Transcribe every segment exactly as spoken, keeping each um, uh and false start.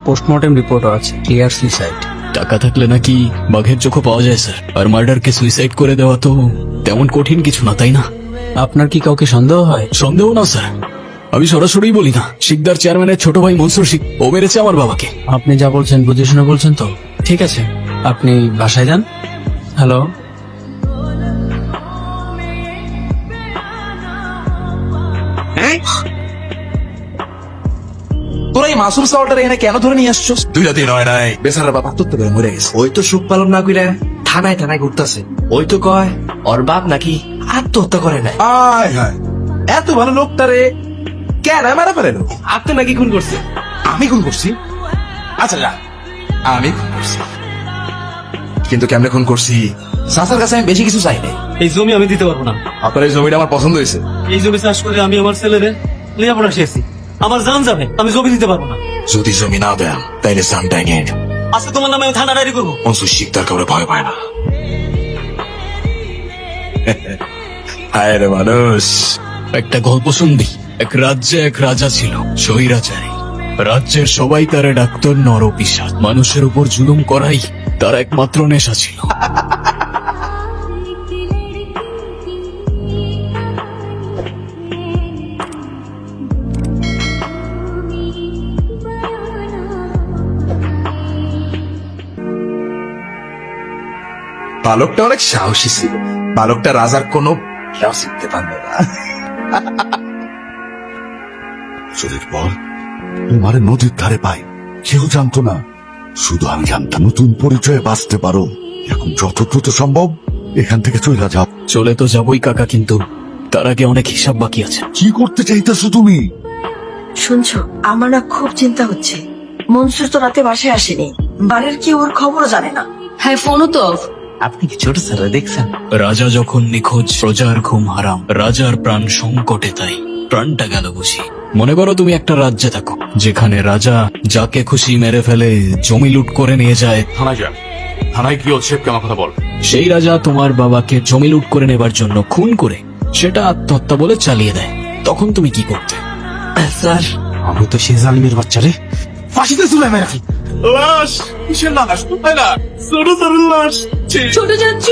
Postmortem রিপোর্টও আছে, clear suicide. টাকা থাকলে নাকি বাঘের চোখও পাওয়া যায় স্যার, আর মার্ডারকে সুইসাইড করে দেওয়া তো তেমন কঠিন কিছু না, তাই না? আপনার কি কাউকে সন্দেহ হয়? সন্দেহ না স্যার, আমি সরাসরি বলি না, শিকদার চেয়ারম্যানের ছোট ভাই মনসুর শিক, ও মেরেছে আমার বাবাকে। আপনি যা বলছেন বুঝে শুনে বলছেন তো? ঠিক আছে, আপনি বাসায় যান। হ্যালো, তোরা এই মাসুম সাওয়ালটার এখানে কেন ধরে নিয়ে আসছো? দুই রাতে নয় নাই বেচারা বাবা আত্মহত্যা করে মরে গেছে। ওই তো সুখ পালন না কইরা থানায় থানায় ঘুরতাছে। ওই তো কয় ওর বাপ নাকি আত্মহত্যা করে নাই। আয় হায়, এত ভালো লোকটারে কেন মারা ফেলেন? আপনি নাকি খুন করছে? আমি খুন করছি? আচ্ছা যা, আমি খুন করছি, কিন্তু কেমনে খুন করছি? চাচার কাছে আমি বেশি কিছু চাই নাই। এই জমি আমি দিতে পারবো না। আপনার এই জমিটা আমার পছন্দ হয়েছে। এই জমি চাষ করে আমি আমার ছেলেরে লেখাপড়া শিখেছি, আমার জান যাবে, আমি জমি দিতে পারবো না। যদি জমি না দেন তাইলে জানটাই নিয়ে নিন। আজকে তোমার নামে আমি থানা ডায়েরি করবো। মনসুর শিকদার কাউরে ভয় পায় না। হায় রে মানুষ, একটা গল্প শুনবি? এক রাজ্যে এক রাজা ছিল, স্বৈরাচারী। রাজ্যের সবাই তারে ডাক্তার নরপিশাচ, মানুষের উপর জুলুম করাই তার একমাত্র নেশা ছিল। বালকটা অনেক সাহসী ছিল। বালকটা রাজার কোনো খেয়াল শিখতে পারবে না। চোরের পর তোমার নদীর ধারে পাই, কেউ জানতো না, শুধু আমি জানতাম। নতুন পরিচয়ে বাঁচতে পারো, এখন যত দ্রুত সম্ভব এখান থেকে চলে যাও। চলে তো যাবই কাকা, কিন্তু তার আগে অনেক হিসাব বাকি আছে। কি করতে চাইতেছো তুমি? শুনছো, আমার না খুব চিন্তা হচ্ছে। মনসুর তো রাতে বাসায় আসেনি, বাড়ির কি ওর খবরও জানে না। হ্যাঁ, ফোনও তো অফ। আপনি কি ছোট স্যার দেখছেন? রাজা যখন নিখোঁজ, প্রজার ঘুম হারাম, রাজার প্রাণ সংকটে, তাই প্রাণটা গেল বুঝি। মনে করো তুমি একটা রাজ্যে থাকো, যেখানে রাজা যাকে খুশি মেরে ফেলে, জমি লুট করে নিয়ে যায়। থানায় যা, থানায় কি হচ্ছে কেমন কথা বল। সেই রাজা তোমার বাবাকে জমি লুট করে নেবার জন্য খুন করে সেটা আত্মহত্যা বলে চালিয়ে দেয়, তখন তুমি কি করতে? স্যার, আমি তো সে জালিমের বাচ্চারে ফাঁসিতে ঝুলাই মেরে রাখি। লাশ কিসের লাশ? কোথায় না ছোট ছোট লাশ। ছোট চাচু,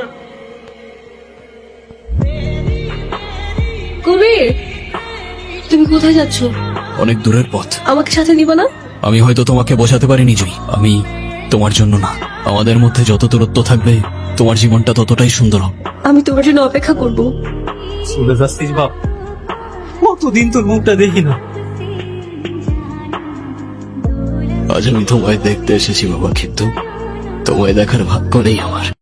কবির, তুমি কোথায় যাচ্ছ? অনেক দূরের পথ, আমাকে সাথে নিবা না? আমি হয়তো তোমাকে বোঝাতে পারিনি জুই, আমি তোমার জন্য না। আমাদের মধ্যে যত দূরত্ব থাকবে তোমার জীবনটা ততটাই সুন্দর হবে। আমি তোমার জন্য অপেক্ষা করব। চলে যাচ্ছিস বাপ? কতদিন তোর মুখটা দেখি না। আজ আমি তোমায় দেখতে এসেছি বাবা, কিন্তু তোমায় দেখার ভাগ্য নেই আমার।